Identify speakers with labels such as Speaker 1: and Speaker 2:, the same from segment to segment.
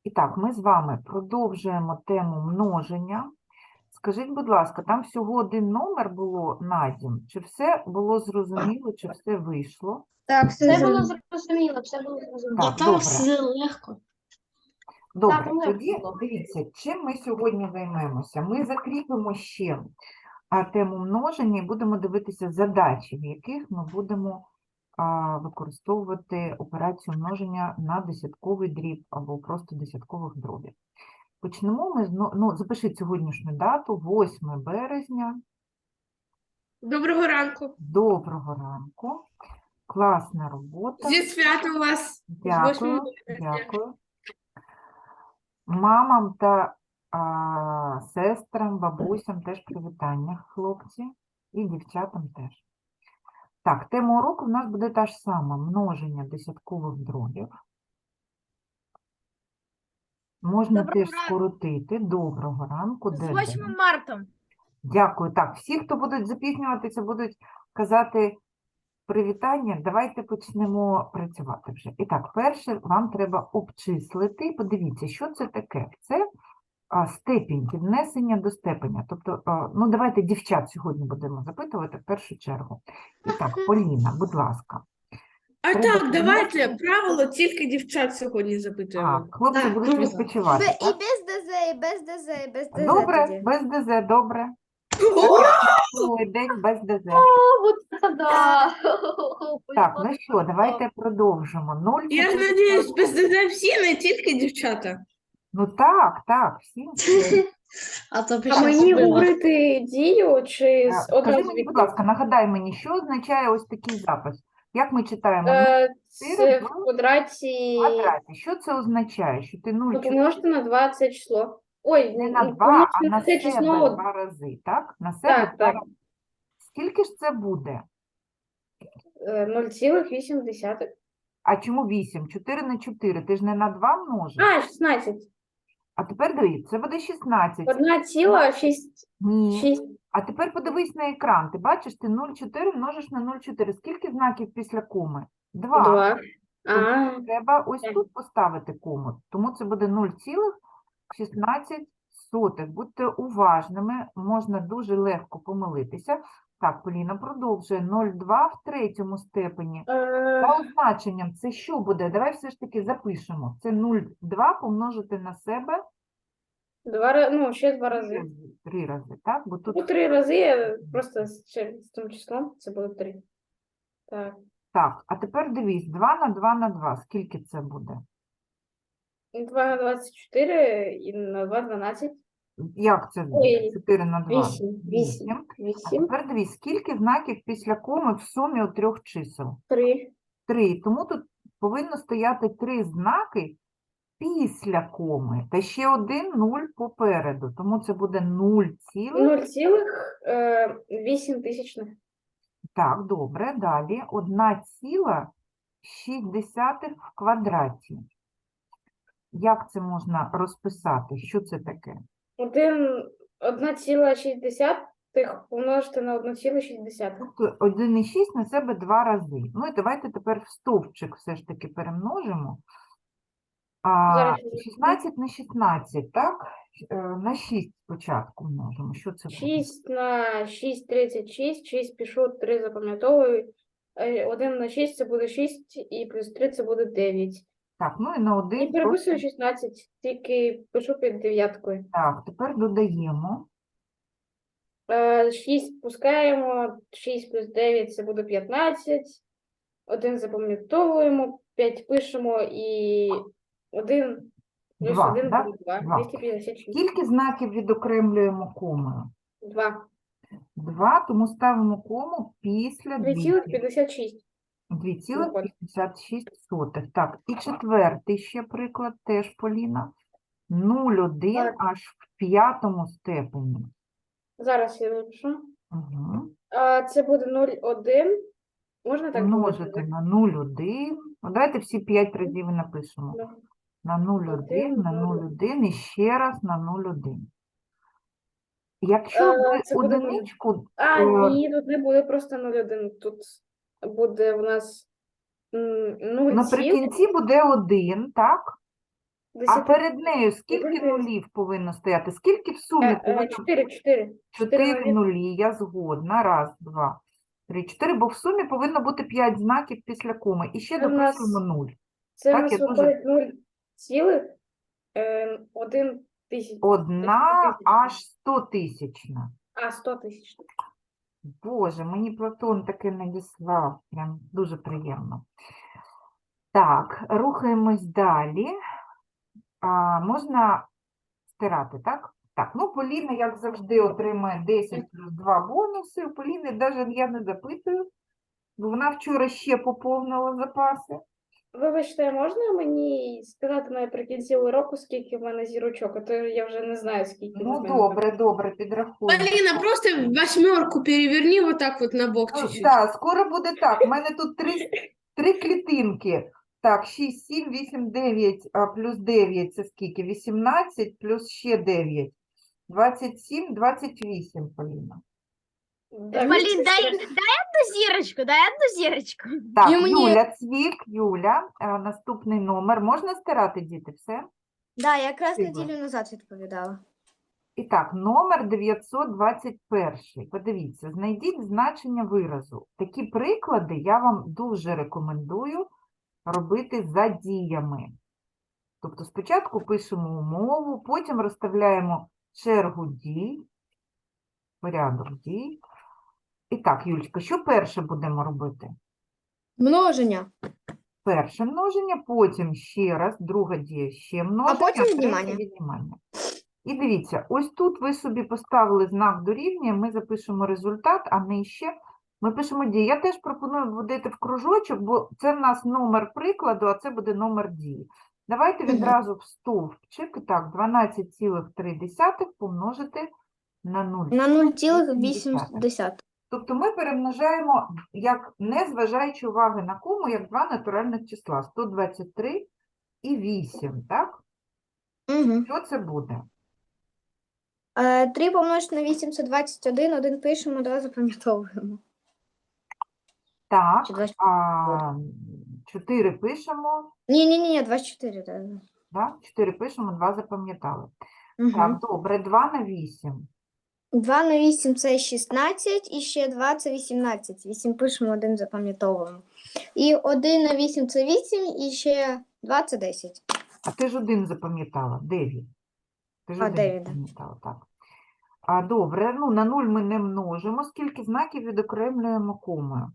Speaker 1: І так, ми з вами продовжуємо тему множення. Скажіть, будь ласка, там всього один номер було на дім? Чи все було зрозуміло, чи все вийшло?
Speaker 2: Так, все
Speaker 3: Все було
Speaker 2: зрозуміло.
Speaker 3: зрозуміло, все було зрозуміло.
Speaker 1: Так, добре.
Speaker 2: все легко.
Speaker 1: Добре,
Speaker 3: Так, легко
Speaker 1: тоді
Speaker 3: було.
Speaker 1: дивіться, чим ми сьогодні займемося. Ми закріпимо ще тему множення і будемо дивитися задачі, в яких ми будемо використовувати операцію множення на десятковий дріб або просто десяткових дробів. Почнемо ми запишіть сьогоднішню дату, 8 березня.
Speaker 2: Доброго ранку.
Speaker 1: Доброго ранку. Класна робота.
Speaker 2: Зі святом вас.
Speaker 1: Дякую, дякую. Мамам та сестрам, бабусям теж привітання, хлопці, і дівчатам теж. Так, тема уроку в нас буде та ж сама – множення десяткових дробів. Можна
Speaker 2: Доброго
Speaker 1: теж
Speaker 2: ранку.
Speaker 1: скоротити. Доброго ранку.
Speaker 2: З
Speaker 1: де
Speaker 2: 8
Speaker 1: день?
Speaker 2: марта.
Speaker 1: Дякую. Так, всі, хто будуть запізнюватися, будуть казати привітання. Давайте почнемо працювати вже. І так, перше вам треба обчислити. Подивіться, що це таке. Це степінь, піднесення до степеня. Тобто, ну давайте дівчат сьогодні будемо запитувати в першу чергу. І так, Поліна, будь ласка.
Speaker 2: А
Speaker 1: Треба
Speaker 2: так, давайте
Speaker 1: піднесення.
Speaker 2: правило тільки дівчат сьогодні запитуємо.
Speaker 1: Хлопці
Speaker 2: Так,
Speaker 1: будуть
Speaker 2: можна.
Speaker 1: відпочивати.
Speaker 4: І
Speaker 1: Так?
Speaker 4: без ДЗ, і без ДЗ, і без ДЗ
Speaker 1: Добре,
Speaker 4: тоді.
Speaker 1: без ДЗ, добре. Цілий день без ДЗ.
Speaker 3: О, вот это да!
Speaker 1: Так, ну що, давайте продовжимо. 0,
Speaker 2: Я ж надіюсь, без ДЗ всі, не тільки дівчата.
Speaker 1: Ну так, всі.
Speaker 2: А
Speaker 5: мені говорити дію чи
Speaker 1: Скажи
Speaker 5: одразу
Speaker 1: мені, будь ласка, нагадай мені, що означає ось такий запис? Як ми читаємо?
Speaker 5: Це в квадраті
Speaker 1: Квадраті. Що це означає? Що ти 0
Speaker 5: помножити на 2 це число. Ой,
Speaker 1: не на 2,
Speaker 5: помножити
Speaker 1: а на
Speaker 5: це
Speaker 1: себе
Speaker 5: число.
Speaker 1: 2 рази, так? На себе
Speaker 5: Так,
Speaker 1: 2
Speaker 5: так.
Speaker 1: рази. Скільки ж це буде?
Speaker 5: 0,8.
Speaker 1: А чому 8? 4 на 4. Ти ж не на 2 множиш?
Speaker 5: 16.
Speaker 1: А тепер дивись, це буде 16.
Speaker 5: 1,6.
Speaker 1: Ні. А тепер подивись на екран. Ти бачиш, ти 0,4 множиш на 0,4. Скільки знаків після коми? 2.
Speaker 5: 2.
Speaker 1: Треба ось
Speaker 5: Так.
Speaker 1: тут поставити кому. Тому це буде 0,16. Будьте уважними, можна дуже легко помилитися. Так, Поліна продовжує. 0,2 в третьому степені. За означенням це що буде? Давай все ж таки запишемо. Це 0,2 помножити на себе
Speaker 5: 2, ще 2 рази.
Speaker 1: 3 рази, так? Бо тут
Speaker 5: 3 рази, просто ще з цим числом, це буде 3. Так.
Speaker 1: так, а тепер дивись, 2 на 2 на 2. Скільки це буде?
Speaker 5: 2 на 24 і на 2 12.
Speaker 1: Як це буде?
Speaker 5: Ой,
Speaker 1: 4 на 2?
Speaker 5: 8. 8.
Speaker 1: А
Speaker 5: 8.
Speaker 1: тепер дивись, скільки знаків після коми в сумі у 3 чисел?
Speaker 5: 3.
Speaker 1: 3. Тому тут повинно стояти 3 знаки після коми. Та ще один 0 попереду. Тому це буде 0 цілих.
Speaker 5: 0,8 тисячних.
Speaker 1: Так, добре. Далі. 1,6 в квадраті. Як це можна розписати? Що це таке?
Speaker 5: 1,6 помножити на 1,6.
Speaker 1: Тобто 1,6 на себе 2 рази. Ну і давайте тепер в стовпчик все ж таки перемножимо.
Speaker 5: Зараз
Speaker 1: 16 на 16, так? На 6 спочатку множимо. Що це буде?
Speaker 5: 6 на 6 – 36, 6 пишу, 3 запам'ятовую. 1 на 6 це буде 6, і плюс 3 це буде 9.
Speaker 1: Так, ну і на 1.
Speaker 5: І переписую 16, тільки пишу під дев'яткою.
Speaker 1: Так, тепер додаємо.
Speaker 5: 6 пускаємо, 6 плюс 9 це буде 15. 1 запам'ятовуємо, 5 пишемо і 1 плюс
Speaker 1: 2,
Speaker 5: 1
Speaker 1: да?
Speaker 5: буде 2.
Speaker 1: 2.
Speaker 5: 256.
Speaker 1: Скільки знаків відокремлюємо комою?
Speaker 5: 2.
Speaker 1: 2, тому ставимо кому після
Speaker 5: 2,56.
Speaker 1: 2,56. Так, і четвертий ще приклад, теж Поліна. 0,1
Speaker 5: Так.
Speaker 1: аж в п'ятому степені.
Speaker 5: Зараз я напишу.
Speaker 1: Угу.
Speaker 5: Це буде 0,1. Можна так
Speaker 1: Множити
Speaker 5: говорити?
Speaker 1: на 0,1. Давайте всі 5 разів і напишемо.
Speaker 5: Да.
Speaker 1: На 0,1, на 0,1 і ще раз на 0,1. Якщо ви
Speaker 5: це буде
Speaker 1: одиничку,
Speaker 5: Ні, тут не буде просто 0,1. Тут буде у нас 0,
Speaker 1: наприкінці буде 1, так? А
Speaker 5: 10.
Speaker 1: перед нею скільки
Speaker 5: Добре.
Speaker 1: нулів повинно стояти? Скільки в сумі повинно?
Speaker 5: 4.
Speaker 1: 4 нулі, я згодна. Раз, два, три, 4, бо в сумі повинно бути 5 знаків після коми. І ще
Speaker 5: Це в нас-
Speaker 1: дописуємо 0.
Speaker 5: Це в
Speaker 1: Так,
Speaker 5: нас
Speaker 1: я дуже-
Speaker 5: виходить 0,1 тисяч.
Speaker 1: Одна аж 100 тисячна.
Speaker 5: 100 тисяч.
Speaker 1: Боже, мені Платон таке надіслав. Прям дуже приємно. Так, рухаємось далі. Можна стирати, так? Так, ну Поліна, як завжди, отримує 10 плюс 2 бонуси. У Поліни навіть я не запитую, бо вона вчора ще поповнила запаси.
Speaker 5: Вибачте, а можна мені сказати наприкінці уроку, скільки в мене зірочок? А то я вже не знаю, скільки.
Speaker 1: Ну,
Speaker 5: не знаю.
Speaker 1: добре, підрахуємо.
Speaker 2: Полина, просто 8 переверни вот так вот на бок
Speaker 1: Ну,
Speaker 2: чуть-чуть.
Speaker 1: да, скоро буде так. У мене тут три клітинки. Так, 6, 7, 8, 9 плюс 9 це скільки? 18 плюс ще 9. 27, 28, Поліна.
Speaker 5: Так,
Speaker 4: Полин, дай одну зірочку, дай одну зірочку.
Speaker 1: Так,
Speaker 2: І мені-
Speaker 1: Юля, Цвік, Юля, наступний номер. Можна стирати, діти, все?
Speaker 4: Да, я якраз
Speaker 1: Спасибо.
Speaker 4: неділю назад відповідала.
Speaker 1: І так, номер 921. Подивіться, знайдіть значення виразу. Такі приклади я вам дуже рекомендую робити за діями. Тобто спочатку пишемо умову, потім розставляємо чергу дій, порядок дій. І так, Юлечка, що перше будемо робити?
Speaker 4: Множення.
Speaker 1: Перше множення, потім ще раз, друга дія ще множення,
Speaker 4: потім
Speaker 1: третє
Speaker 4: віднімання.
Speaker 1: віднімання. І дивіться, ось тут ви собі поставили знак дорівнює, ми запишемо результат, а нижче ми пишемо дії. Я теж пропоную вводити в кружочок, бо це в нас номер прикладу, а це буде номер дії. Давайте
Speaker 4: Мгм.
Speaker 1: відразу в стовпчик. Так, 12,3 помножити на 0.
Speaker 4: На 0,8.
Speaker 1: Тобто ми перемножаємо, як не зважаючи уваги на кому, як два натуральних числа. 123 і 8, так?
Speaker 4: Угу.
Speaker 1: Що це буде?
Speaker 4: 3 помножити на 8 – це 21, 1 пишемо, 2 запам'ятовуємо.
Speaker 1: Так,
Speaker 4: Чи 24?
Speaker 1: 4 пишемо,
Speaker 4: Ні, 24. Так.
Speaker 1: да? 4 пишемо, 2 запам'ятали.
Speaker 4: Угу.
Speaker 1: Так, добре, 2 на 8.
Speaker 4: 2 на 8 – це 16, і ще 2 – це 18. 8 пишемо, 1 запам'ятовуємо. І 1 на 8 – це 8, і ще 2 – це 10.
Speaker 1: А ти ж 1 запам'ятала, 9. Ти ж 1
Speaker 4: 9, да.
Speaker 1: запам'ятала, так. Добре, ну на 0 ми не множимо. Скільки знаків відокремлюємо комою?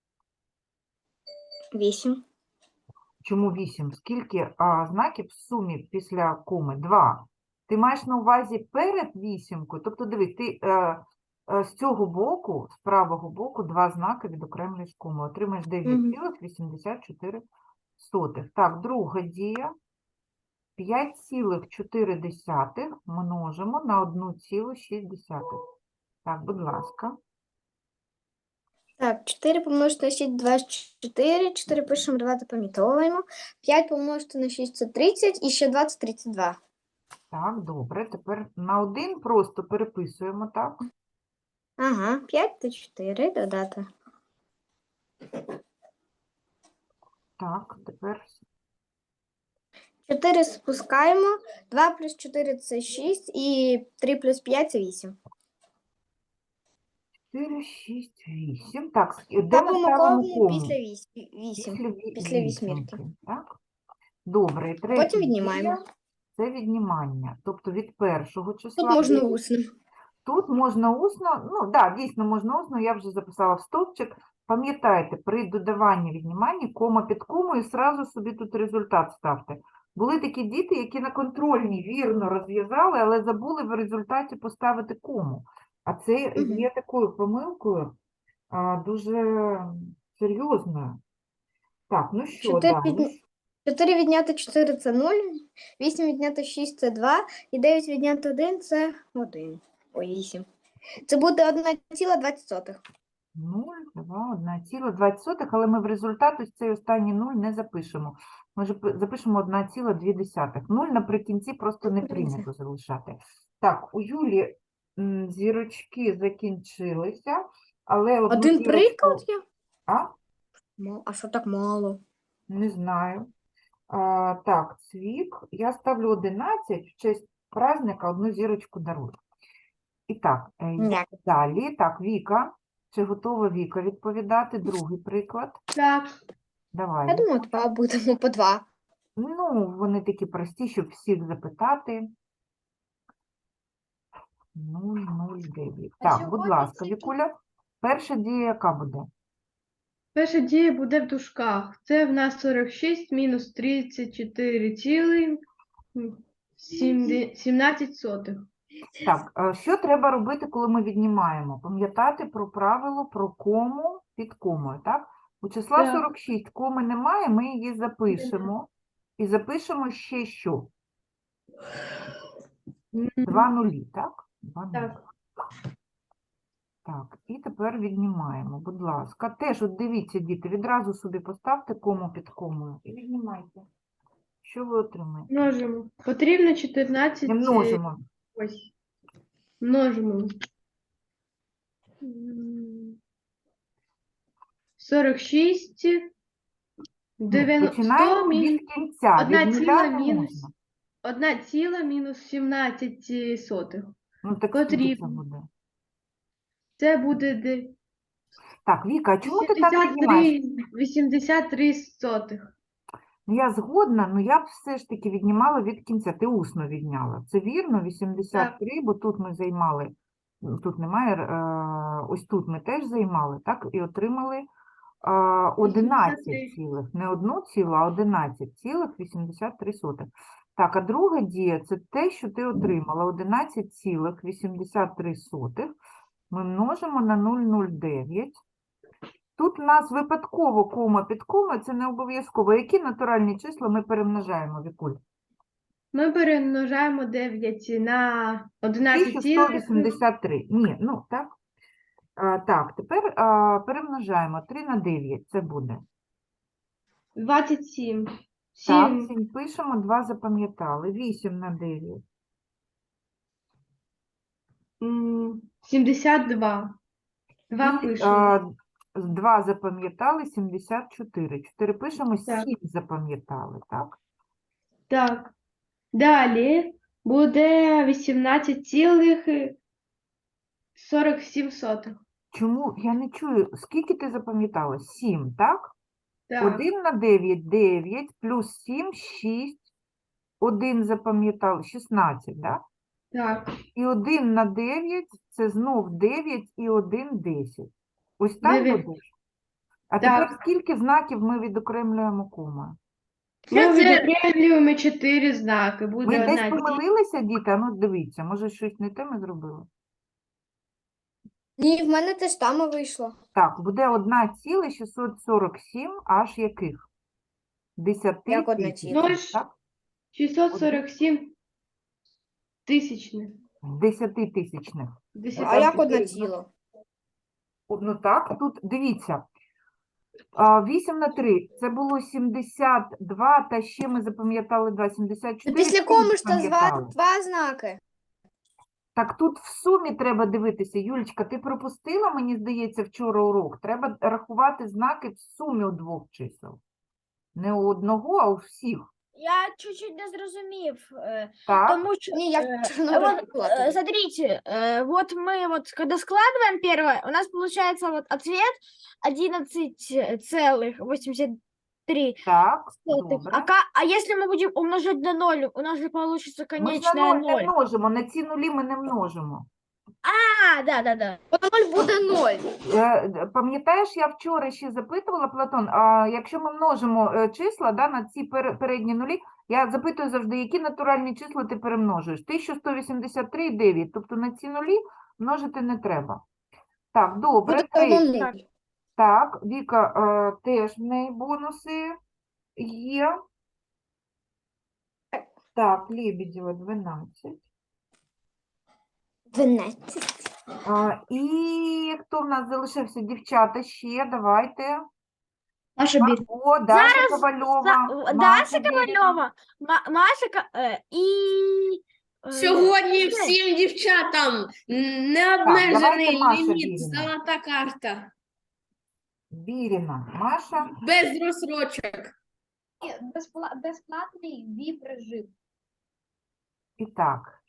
Speaker 4: 8.
Speaker 1: Чому 8? Скільки знаків в сумі після коми? 2. Ти маєш на увазі перед вісімкою? Тобто, дивись, ти з цього боку, з правого боку, 2 знаки відокремлюєш комою. Отримаєш 9,84. Так, друга дія. 5,4 множимо на 1,6. Так, будь ласка.
Speaker 4: Так, 4 помножити на 6 – 24, 4 пишемо, 2 запам'ятовуємо. 5 помножити на 6 – це 30, і ще 2 – це 32.
Speaker 1: Так, добре. Тепер на 1 просто переписуємо, так?
Speaker 4: Ага, 5 та 4 додати.
Speaker 1: Так, тепер
Speaker 4: 4 спускаємо, 2 плюс 4 – це 6, і 3 плюс 5 – це 8.
Speaker 1: 4, 6, 8. Так, де ми
Speaker 4: Ставимо
Speaker 1: ставимо
Speaker 4: кому
Speaker 1: кому?
Speaker 4: після 8. Після вісьмірки.
Speaker 1: вісімки, так? Добре, і третя
Speaker 4: Потім віднімаємо.
Speaker 1: дія – це віднімання. Тобто від першого числа.
Speaker 4: Тут можна
Speaker 1: 9.
Speaker 4: усно.
Speaker 1: Тут можна усно, ну, да, дійсно можна усно, я вже записала в стовпчик. Пам'ятайте, при додаванні відніманні кома під комою, зразу собі тут результат ставте. Були такі діти, які на контрольній вірно розв'язали, але забули в результаті поставити кому. А це
Speaker 4: Мгм.
Speaker 1: є такою помилкою дуже серйозною. Так, ну що
Speaker 4: 4
Speaker 1: далі?
Speaker 4: 4 відняти 4 – це 0, 8 відняти 6 – це 2, і 9 відняти 1 – це 1. Ой, 8. Це буде 1,20.
Speaker 1: 0, 2, 1,20, але ми в результат ось цей останній 0 не запишемо. Ми запишемо 1,2. 0 наприкінці просто не прийнято залишати. Так, у Юлі зірочки закінчилися, але одну
Speaker 4: Один
Speaker 1: зірочку-
Speaker 4: приклад є?
Speaker 1: А?
Speaker 4: А що так мало?
Speaker 1: Не знаю. Так, Цвік. Я ставлю 11 в честь праздника, одну зірочку дарую. І так, йдемо
Speaker 4: Ні.
Speaker 1: далі. Так, Віка. Чи готова Віка відповідати? Другий приклад.
Speaker 2: Так.
Speaker 1: Давай.
Speaker 4: Я думаю, 2 будемо по 2.
Speaker 1: Ну, вони такі прості, щоб всіх запитати. 009. Так, будь ласка, Вікуля. Перша дія яка буде?
Speaker 2: Перша дія буде в дужках. Це в нас 46 мінус 34,17.
Speaker 1: Так, що треба робити, коли ми віднімаємо? Пам'ятати про правило про кому під комою, так? У числа
Speaker 2: Так.
Speaker 1: 46 коми немає, ми її запишемо. І запишемо ще що? 2 нулі, так? 2 нулі.
Speaker 2: Так.
Speaker 1: Так, і тепер віднімаємо, будь ласка. Теж, от дивіться, діти, відразу собі поставте кому під комою і віднімайте. Що ви отримаєте?
Speaker 2: Множимо. Потрібно 14.
Speaker 1: Не множимо.
Speaker 2: Ось. Множимо. 46. 100
Speaker 1: Починаємо від кінця,
Speaker 2: одна
Speaker 1: від нуля
Speaker 2: ціла
Speaker 1: не
Speaker 2: мінус.
Speaker 1: можна.
Speaker 2: 1 ціла мінус 17 сотих.
Speaker 1: Ну, так скільки це
Speaker 2: Потрібно.
Speaker 1: буде?
Speaker 2: Це буде
Speaker 1: Так, Віка, а чому ти так віднімаєш?
Speaker 2: 83 сотих.
Speaker 1: Ну, я згодна, але я б все ж таки віднімала від кінця. Ти усно відняла. Це вірно, 83, бо тут ми займали, тут немає, ось тут ми теж займали, так, і отримали 11
Speaker 2: 83.
Speaker 1: цілих, не 1 цілу, а 11,83. Так, а друга дія – це те, що ти отримала, 11,83 ми множимо на 0,09. Тут у нас випадково кома під комою, це не обов'язково. Які натуральні числа ми перемножаємо, Вікуль?
Speaker 2: Ми перемножаємо 9 на 11 цілих.
Speaker 1: 1183. Ні, ну так. Так, тепер перемножаємо 3 на 9, це буде.
Speaker 2: 27.
Speaker 1: Так,
Speaker 2: 7.
Speaker 1: 7 пишемо, 2 запам'ятали. 8 на 9.
Speaker 2: 72. 2
Speaker 1: І,
Speaker 2: пишемо.
Speaker 1: 2 запам'ятали, 74. 4 пишемо, 7
Speaker 2: Так.
Speaker 1: запам'ятали, так?
Speaker 2: Так. Далі буде 18,47 сотих.
Speaker 1: Чому? Я не чую. Скільки ти запам'ятала? 7, так?
Speaker 2: Так.
Speaker 1: 1 на 9 – 9, плюс 7 – 6. 1 запам'ятали – 16, так?
Speaker 2: Так.
Speaker 1: І 1 на 9 – це знов 9 і 1 – 10. Ось так
Speaker 2: 9.
Speaker 1: буде? А
Speaker 2: Так.
Speaker 1: тепер скільки знаків ми відокремлюємо комою?
Speaker 2: Ми відокремлюємо 4 знаки. Буде
Speaker 1: Ми десь
Speaker 2: одна
Speaker 1: помилилися, діти? А ну дивіться, може щось не те ми зробили?
Speaker 4: Ні, в мене теж там вийшло.
Speaker 1: Так, буде 1,647 аж яких? 10
Speaker 4: Як одна
Speaker 1: тисяч,
Speaker 4: ціла?
Speaker 2: Ну ж.
Speaker 1: так?
Speaker 2: 647 тисячних.
Speaker 1: 10 тисячних.
Speaker 4: А як одна ціла?
Speaker 1: Ну так, тут дивіться. 8 на 3 – це було 72, та ще ми запам'ятали 2, 74.
Speaker 4: Після
Speaker 1: сім
Speaker 4: кому ж то
Speaker 1: запам'ятали.
Speaker 4: 2 знаки.
Speaker 1: Так тут в сумі треба дивитися. Юлічка, ти пропустила, мені здається, вчора урок. Треба рахувати знаки в сумі у двох чисел. Не у одного, а у всіх.
Speaker 6: Я чуть-чуть не зрозумів,
Speaker 1: Так,
Speaker 6: тому що,
Speaker 4: Ні, я
Speaker 6: вот,
Speaker 4: чорно
Speaker 6: смотрите, вот мы вот, когда складываем первое, у нас получается вот ответ 11,83.
Speaker 1: так,
Speaker 6: А,
Speaker 1: добре.
Speaker 6: а если мы будем умножать на 0, у нас же получится
Speaker 1: Ми ж на
Speaker 6: конечная
Speaker 1: 0 не
Speaker 6: 0.
Speaker 1: множимо, на ці нулі ми не множимо.
Speaker 6: А, да.
Speaker 4: 0 буде 0.
Speaker 1: Пам'ятаєш, я вчора ще запитувала, Платон, а якщо ми множимо числа на ці передні нулі, я запитую завжди, які натуральні числа ти перемножуєш? 1183 і 9, тобто на ці нулі множити не треба. Так, добре,
Speaker 4: Буде
Speaker 1: 3.
Speaker 4: 0.
Speaker 1: Так, Віка, теж в неї бонуси є. Так, Лебедєва 12.
Speaker 4: 12.
Speaker 1: І хто в нас залишився? Дівчата ще, давайте.
Speaker 2: Наша бір.
Speaker 1: О, Даша Ковальова.
Speaker 6: Даша
Speaker 1: Маша Бережна.
Speaker 6: Ковальова, Маша и...
Speaker 2: Сьогодні всім дівчатам необмежений
Speaker 1: давайте Маша
Speaker 2: ліміт,
Speaker 1: Біріна.
Speaker 2: золота карта.
Speaker 1: Біріна, Маша.
Speaker 2: Без розсрочок.
Speaker 3: Безплатний VIP-режим.
Speaker 1: І так,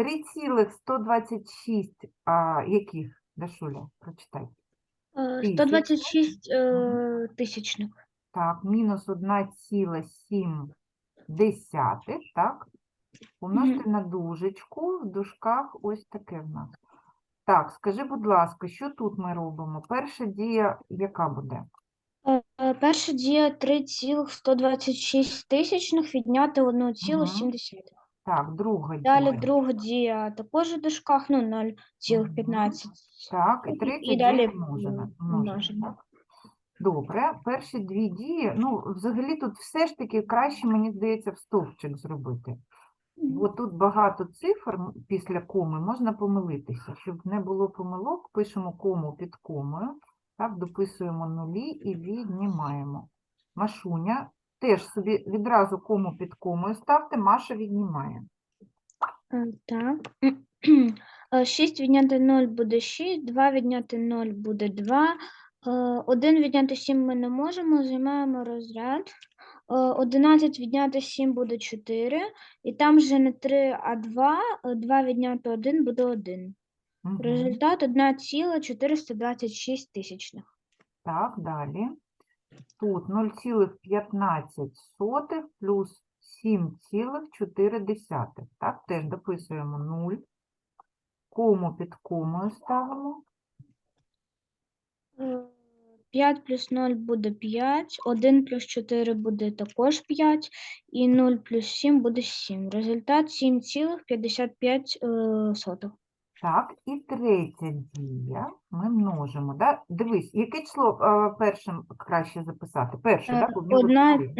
Speaker 1: 3,126, яких, Дашуля, прочитай.
Speaker 6: 126
Speaker 1: Мгм.
Speaker 6: тисячних.
Speaker 1: Так, мінус 1,7, так? Помножте на дужечку, в дужках ось таке в нас. Так, скажи, будь ласка, що тут ми робимо? Перша дія яка буде?
Speaker 6: Перша дія 3,126 тисячних відняти 1,7.
Speaker 1: Так, друга
Speaker 6: Далі
Speaker 1: дія.
Speaker 6: друга дія також у дужках, ну, 0,15.
Speaker 1: Так, і третя
Speaker 6: І
Speaker 1: дія
Speaker 6: далі
Speaker 1: множена.
Speaker 6: множення.
Speaker 1: Так. Добре, перші дві дії, ну, взагалі тут все ж таки краще, мені здається, в стовпчик зробити. Бо тут багато цифр після коми, можна помилитися. Щоб не було помилок, пишемо кому під комою, так, дописуємо нулі і віднімаємо. Машуня, теж собі відразу кому під комою ставте, Маша віднімає.
Speaker 6: Так. 6 відняти 0 буде 6, 2 відняти 0 буде 2, 1 відняти 7 ми не можемо, займаємо розряд. 11 відняти 7 буде 4, і там вже не 3, а 2, 2 відняти 1 буде 1.
Speaker 1: Мгм.
Speaker 6: Результат 1,426 тисячних.
Speaker 1: Так, далі. Тут 0,15 плюс 7,4. Так, теж дописуємо 0. Кому під комою ставимо.
Speaker 6: 5 плюс 0 буде 5, 1 плюс 4 буде також 5, і 0 плюс 7 буде 7. Результат 7,55.
Speaker 1: Так, і третя дія. Ми множимо. Да? Дивись, яке число першим краще записати? Перше, так? Бо в нього чотири.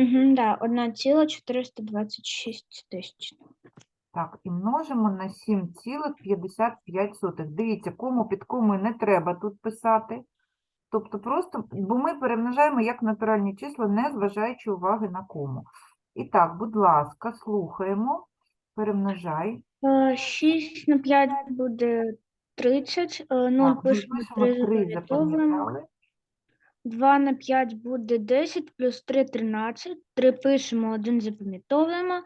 Speaker 6: 1,426 тисяч.
Speaker 1: Так, і множимо на 7,55. Дивіться, кому під комою не треба тут писати. Тобто просто, бо ми перемножаємо як натуральні числа, не зважаючи уваги на кому. І так, будь ласка, слухаємо. Перемножай.
Speaker 6: 6 на 5 буде 30, 0
Speaker 1: Так, ми
Speaker 6: пишемо
Speaker 1: пишемо
Speaker 6: 3
Speaker 1: 3,
Speaker 6: запам'ятовуємо.
Speaker 1: запам'ятали.
Speaker 6: 2 на 5 буде 10, плюс 3 – 13. 3 пишемо, 1 запам'ятовуємо.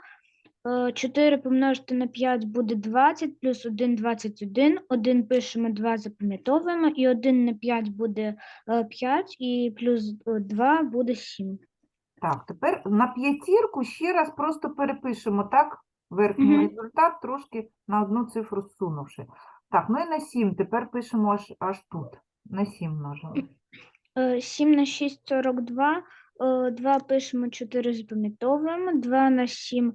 Speaker 6: 4 помножити на 5 буде 20, плюс 1 – 21. 1 пишемо, 2 запам'ятовуємо. І 1 на 5 буде 5, і плюс 2 буде 7.
Speaker 1: Так, тепер на п'ятірку ще раз просто перепишемо, так? Верхній
Speaker 6: Мгм.
Speaker 1: результат, трошки на одну цифру зсунувши. Так, ну і на 7 тепер пишемо аж тут. На 7 множимо.
Speaker 6: 7 на 6 – 42. 2 пишемо, 4 запам'ятовуємо. 2 на 7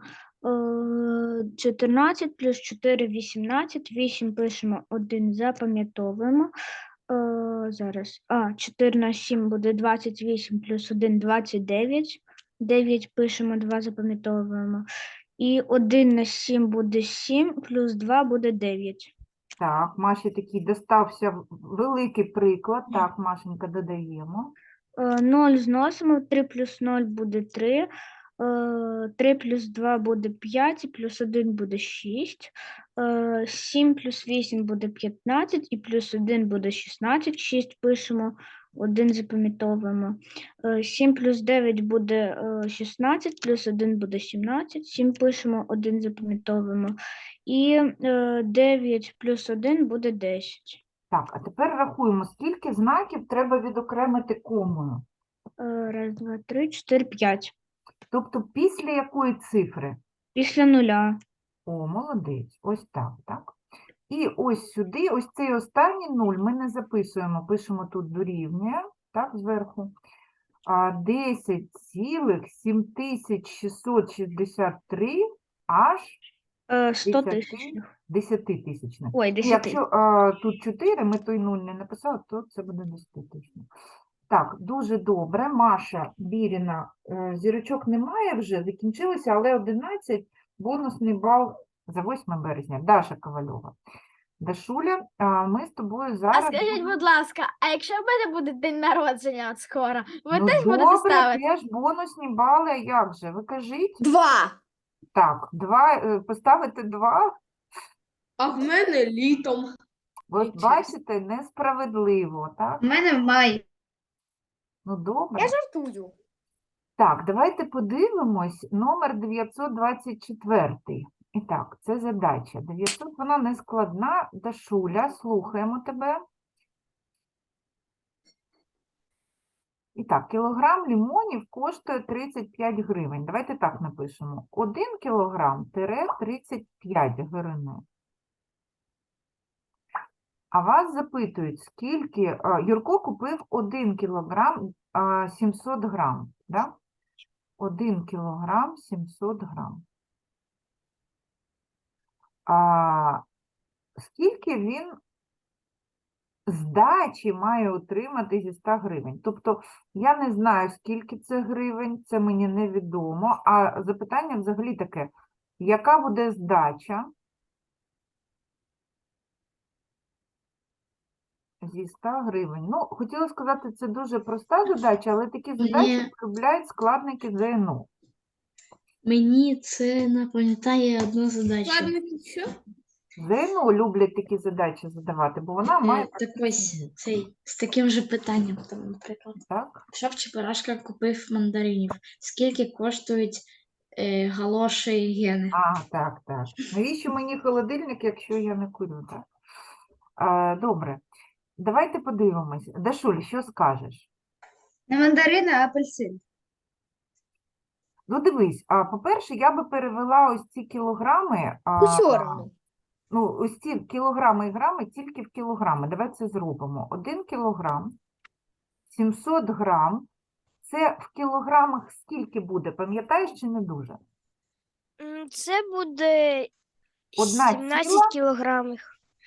Speaker 6: – 14, плюс 4 – 18. 8 пишемо, 1 запам'ятовуємо. Зараз. 4 на 7 буде 28, плюс 1 – 29. 9 пишемо, 2 запам'ятовуємо. І 1 на 7 буде 7, плюс 2 буде 9.
Speaker 1: Так, Маші такий достався великий приклад. Так, Машенька, додаємо.
Speaker 6: 0 зносимо, 3 плюс 0 буде 3, 3 плюс 2 буде 5, і плюс 1 буде 6, 7 плюс 8 буде 15, і плюс 1 буде 16, 6 пишемо, 1 запам'ятовуємо, 7 плюс 9 буде 16, плюс 1 буде 17, 7 пишемо, 1 запам'ятовуємо, і 9 плюс 1 буде 10.
Speaker 1: Так, а тепер рахуємо, скільки знаків треба відокремити комою.
Speaker 6: Раз, два, три, 4, 5.
Speaker 1: Тобто після якої цифри?
Speaker 6: Після нуля.
Speaker 1: О, молодець. Ось так, так. І ось сюди, ось цей останній 0 ми не записуємо, пишемо тут дорівнює, так, зверху. 10,7663 аж
Speaker 6: 100 тисячних.
Speaker 1: 10-тисячних.
Speaker 6: Ой, 10
Speaker 1: Якщо тут 4, ми той 0 не написали, то це буде 10-тисячних. Так, дуже добре. Маша Біріна, зірочок немає вже, закінчилося, але 11 бонусний бал за 8 березня. Даша Ковальова. Дашуля, ми з тобою
Speaker 6: А
Speaker 1: зараз...
Speaker 6: скажіть, будь ласка, а якщо в мене буде день народження от скоро, ви
Speaker 1: Ну,
Speaker 6: теж будете
Speaker 1: добре,
Speaker 6: ставити?
Speaker 1: теж бонусні бали, а як же? Ви кажіть?
Speaker 4: 2.
Speaker 1: Так, поставити 2.
Speaker 2: А в мене літом.
Speaker 1: От бачите, несправедливо, так?
Speaker 3: У мене в маї.
Speaker 1: Ну, добре.
Speaker 4: Я жартую.
Speaker 1: Так, давайте подивимось номер 924. І так, це задача. 900, вона не складна. Дашуля, слухаємо тебе. І так, кілограм лимонів коштує 35 гривень. Давайте так напишемо. 1 кілограм тире 35 гривень. А вас запитують, скільки... Юрко купив 1 кілограм 700 грам. Да? 1 кілограм 700 грам. Скільки він здачі має отримати зі 100 гривень? Тобто, я не знаю, скільки це гривень, це мені невідомо. А запитання взагалі таке, яка буде здача зі 100 гривень? Ну, хотіла сказати, це дуже проста задача, але такі задачі полюбляють складники ЗНО.
Speaker 7: Мені це напам'ятає одну задачу.
Speaker 5: Складники що?
Speaker 1: ЗНО люблять такі задачі задавати, бо вона має
Speaker 7: Так ось цей з таким же питанням, там, наприклад.
Speaker 1: так.
Speaker 7: Шов Чебурашка купив мандаринів. Скільки коштують галоші і гени?
Speaker 1: Так. Навіщо мені холодильник, якщо я не курю, так? Добре. Давайте подивимось. Дашуль, що скажеш?
Speaker 2: Не мандарини, а апельсин.
Speaker 1: Ну, дивись, по-перше, я би перевела ось ці кілограми,
Speaker 4: Усьо равно.
Speaker 1: ну, ось ці кілограми і грами тільки в кілограми. Давай це зробимо. 1 кілограм, 700 грам. Це в кілограмах скільки буде? Пам'ятаєш чи не дуже?
Speaker 6: Це буде
Speaker 1: Одна
Speaker 6: 17
Speaker 1: ціла?
Speaker 6: кілограмів.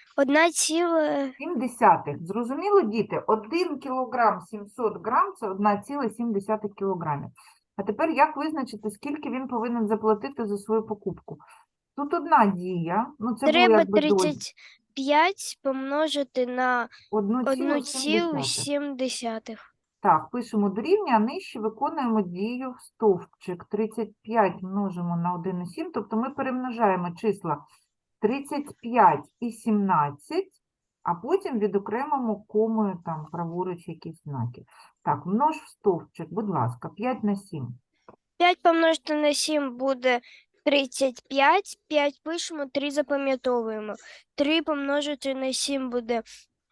Speaker 6: 1,7.
Speaker 1: 0,7. Зрозуміло, діти? 1 кілограм 700 грам – це 1,7 кілограмів. А тепер як визначити, скільки він повинен заплатити за свою покупку? Тут одна дія, ну це було
Speaker 6: Треба
Speaker 1: якби дозі.
Speaker 6: 35 помножити на
Speaker 1: 1,7.
Speaker 6: 1,7.
Speaker 1: Так, пишемо дорівнює, а нижче виконуємо дію в стовпчик. 35 множимо на 1,7, тобто ми перемножаємо числа 35 і 17, а потім відокремимо комою там праворуч якісь знаки. Так, множ в стовпчик, будь ласка, 5 на 7.
Speaker 6: 5 помножити на 7 буде 35, 5 пишемо, 3 запам'ятовуємо. 3 помножити на 7 буде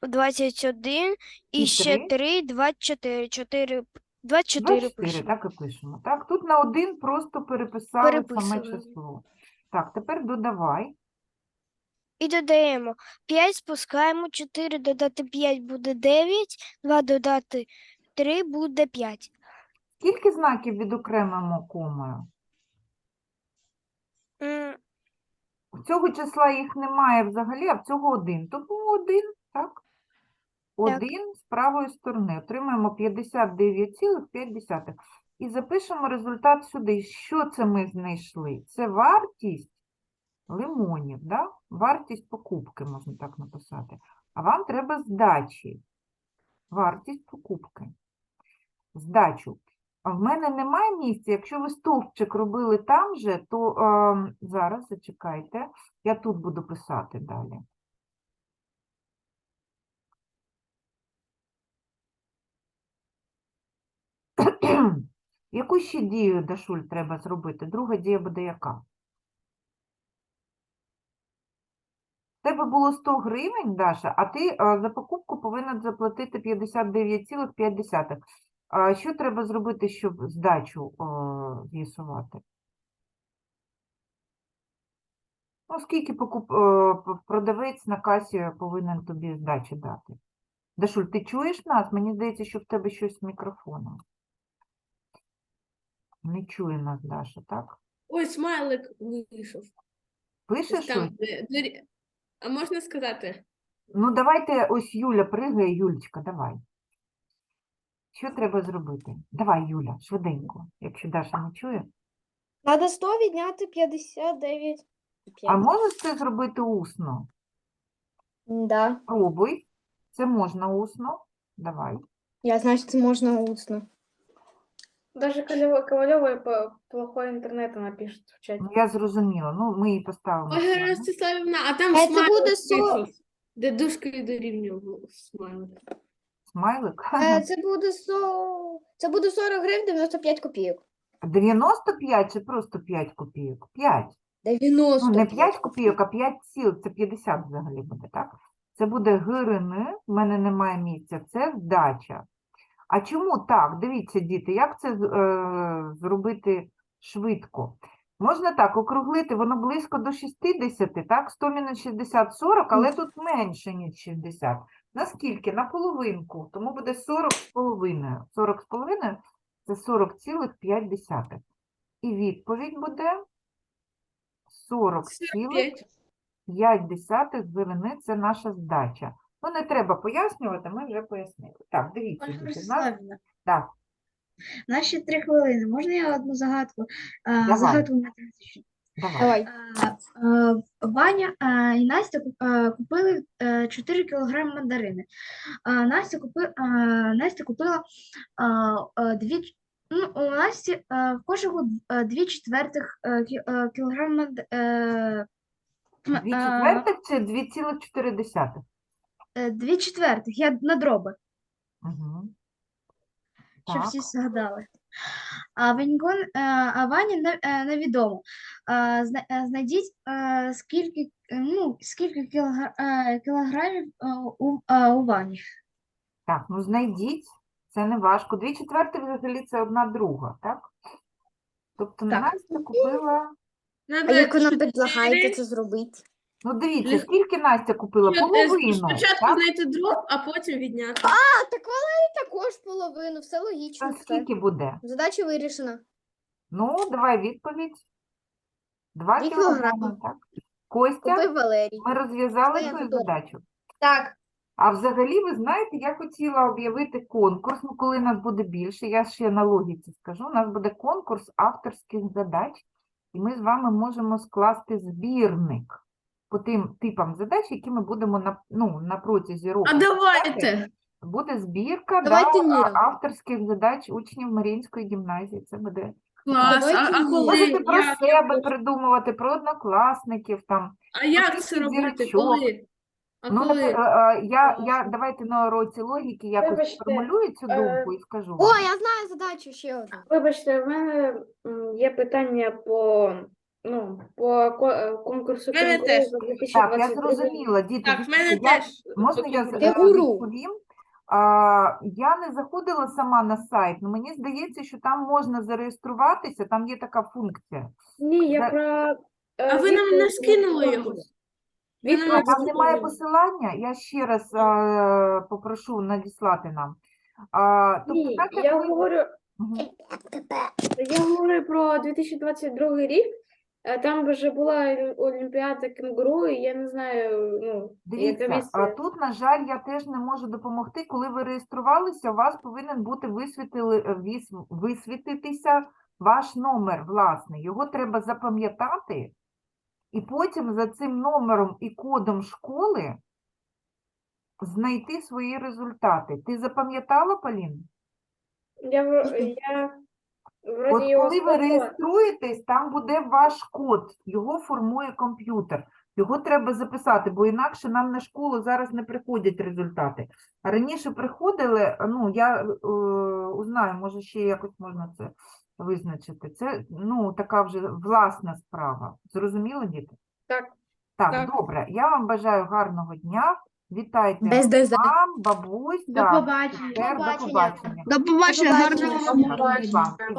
Speaker 6: 21, і
Speaker 1: І
Speaker 6: ще
Speaker 1: 3?
Speaker 6: 3, 24. 24
Speaker 1: 24,
Speaker 6: пишемо.
Speaker 1: так і пишемо. Так, тут на 1 просто переписали саме
Speaker 6: Переписуємо.
Speaker 1: число. Так, тепер додавай.
Speaker 6: І додаємо 5, спускаємо, 4 додати 5 буде 9, 2 додати 3 буде 5.
Speaker 1: Скільки знаків відокремимо комою? В цього числа їх немає взагалі, а в цього 1. Тому 1, так? 1 з правої сторони. Отримаємо 59,5. І запишемо результат сюди. Що це ми знайшли? Це вартість лимонів, да? Вартість покупки, можна так написати. А вам треба здачі. Вартість покупки. Здачу. А в мене немає місця. Якщо ви стовпчик робили там же, то зараз зачекайте. Я тут буду писати далі. Яку ще дію, Дашуль, треба зробити? Друга дія буде яка? В тебе було 100 гривень, Даша, а ти за покупку повинен заплатити 59,5. Що треба зробити, щоб здачу з'ясувати? Ну, скільки продавець на касі повинен тобі здачі дати? Дашуль, ти чуєш нас? Мені здається, що в тебе щось з мікрофоном. Не чує нас Даша, так?
Speaker 5: Ой, смайлик вийшов.
Speaker 1: Пишеш щось?
Speaker 5: А можна сказати?
Speaker 1: Ну, давайте, ось Юля пригає. Юлечка, давай. Що треба зробити? Давай, Юля, швиденько, якщо Даша не чує.
Speaker 4: Надо 100 відняти 59.
Speaker 1: А можеш це зробити усно?
Speaker 4: Да.
Speaker 1: Пробуй. Це можна усно. Давай.
Speaker 4: Я знаю, що це можна усно.
Speaker 5: Даже Ковальова по плохой интернету напишет в чате.
Speaker 1: Ну, я зрозуміла. Ну, ми її поставимо.
Speaker 5: Ольга
Speaker 1: сюди.
Speaker 5: Ростиславівна, а там
Speaker 4: Це
Speaker 5: смайлик
Speaker 4: буде
Speaker 5: вийшов. Де дужкою дорівнював смайлик.
Speaker 1: Смайлик.
Speaker 4: Це буде 40 гривень 95 копійок.
Speaker 1: 95 чи просто 5 копійок? 5.
Speaker 4: 90.
Speaker 1: Ну, не 5 копійок, а 5 ціл, це 50 взагалі буде, так? Це буде гривни, в мене немає місця, це здача. А чому так? Дивіться, діти, як це зробити швидко? Можна так округлити, воно близько до 60, так? 100 мінус 60 – 40, але тут менше, ніж 60. Наскільки? На половинку, тому буде 40 з половиною. 40 з половиною – це 40,5. І відповідь буде 40,5 гривни – це наша здача. Ну, не треба пояснювати, ми вже пояснили. Так, дивіться,
Speaker 7: Ольга
Speaker 1: діти, в нас...
Speaker 7: Ростиславівна,
Speaker 1: Так,
Speaker 7: у нас ще 3 хвилини. Можна я одну загадку?
Speaker 1: Давай.
Speaker 7: Загадку математичну.
Speaker 1: давай.
Speaker 7: Ваня і Настя купили 4 кілограми мандарини. Настя купила у Насті в кошику 2/4 кілограма
Speaker 1: 2/4 чи 2,4?
Speaker 7: 2/4, я на дроби,
Speaker 1: Угу.
Speaker 7: щоб
Speaker 1: Так.
Speaker 7: всі згадали. А Вані невідомо. Знайдіть, скільки кілограмів у Вані.
Speaker 1: Так, ну знайдіть, це не важко. 2/4 взагалі це 1/2, так? Тобто
Speaker 7: Так.
Speaker 1: Настя купила...
Speaker 4: А як ви нам предлагаєте це зробити?
Speaker 1: Ну дивіться, скільки Настя купила? Половину,
Speaker 8: Спочатку
Speaker 1: так?
Speaker 8: знайти дроб, а потім відняти.
Speaker 4: А, так вона і також половину, все логічно.
Speaker 1: Це
Speaker 4: все.
Speaker 1: скільки буде?
Speaker 4: Задача вирішена.
Speaker 1: Ну, давай відповідь. 2
Speaker 4: 2
Speaker 1: кілограми,
Speaker 4: кілограми.
Speaker 1: так? Костя,
Speaker 4: Купив Валерій.
Speaker 1: ми розв'язали
Speaker 4: Це я
Speaker 1: твою
Speaker 4: готова.
Speaker 1: задачу.
Speaker 5: Так,
Speaker 1: А взагалі, ви знаєте, я хотіла об'явити конкурс, ну, коли нас буде більше, я ще на логіці скажу, у нас буде конкурс авторських задач, і ми з вами можемо скласти збірник по тим типам задач, які ми будемо на протязі року.
Speaker 8: А
Speaker 1: розглядати.
Speaker 8: давайте.
Speaker 1: Буде збірка
Speaker 4: Давайте ні.
Speaker 1: авторських задач учнів Маріїнської гімназії. Це буде.
Speaker 8: Клас.
Speaker 4: Давайте
Speaker 8: А
Speaker 4: ні.
Speaker 8: коли?
Speaker 1: Можете про
Speaker 8: Як?
Speaker 1: себе придумувати, про однокласників там.
Speaker 8: А як це робити?
Speaker 1: зірочок.
Speaker 8: Коли? А
Speaker 1: Ну,
Speaker 8: коли?
Speaker 1: давайте на уроці логіки якось
Speaker 5: Вибачте,
Speaker 1: сформулюю цю думку і скажу
Speaker 4: О,
Speaker 1: вам.
Speaker 4: я знаю задачу ще одну.
Speaker 5: вибачте, в мене є питання по конкурсу
Speaker 8: В мене
Speaker 5: «Кенгуру»
Speaker 8: теж.
Speaker 5: за
Speaker 1: Так, я
Speaker 5: 2022
Speaker 1: зрозуміла, діти.
Speaker 8: Так, в
Speaker 1: дивіться,
Speaker 8: мене
Speaker 1: я-
Speaker 8: теж.
Speaker 1: Можна я
Speaker 4: Кенгуру.
Speaker 1: відповім? Я не заходила сама на сайт, але мені здається, що там можна зареєструватися, там є така функція.
Speaker 5: Ні, я
Speaker 1: Да.
Speaker 5: про...
Speaker 8: А ви нам не
Speaker 5: відповідь на
Speaker 8: скинули його?
Speaker 5: конкурс.
Speaker 8: Ви нам
Speaker 1: А
Speaker 8: не
Speaker 1: там немає
Speaker 8: скинули.
Speaker 1: посилання, я ще раз попрошу надіслати нам. Тобто,
Speaker 5: Ні,
Speaker 1: так як
Speaker 5: я
Speaker 1: ви...
Speaker 5: говорю,
Speaker 1: Мгм.
Speaker 5: я говорю про 2022 рік. Там вже була Олімпіада кенгуру, і я не знаю, яка
Speaker 1: Дивіться,
Speaker 5: місце.
Speaker 1: тут, на жаль, я теж не можу допомогти. Коли ви реєструвалися, у вас повинен бути висвітитися ваш номер власний. Його треба запам'ятати, і потім за цим номером і кодом школи знайти свої результати. Ти запам'ятала, Полін?
Speaker 5: Я вроді
Speaker 1: От
Speaker 5: його
Speaker 1: коли ви
Speaker 5: сфоткала.
Speaker 1: реєструєтесь, там буде ваш код, його формує комп'ютер. Його треба записати, бо інакше нам на школу зараз не приходять результати. А раніше приходили, я узнаю, може ще якось можна це визначити. Це, така вже власна справа. Зрозуміло, діти?
Speaker 5: Так.
Speaker 1: Так,
Speaker 8: Так.
Speaker 1: добре. Я вам бажаю гарного дня. Вітайте
Speaker 4: Без ДЗ.
Speaker 1: мам, бабусь,
Speaker 2: До
Speaker 1: так,
Speaker 2: побачення.
Speaker 1: сестер, до
Speaker 4: Побачення.
Speaker 1: побачення.
Speaker 6: До побачення,
Speaker 4: побачення.
Speaker 6: гарного вам
Speaker 1: Вам.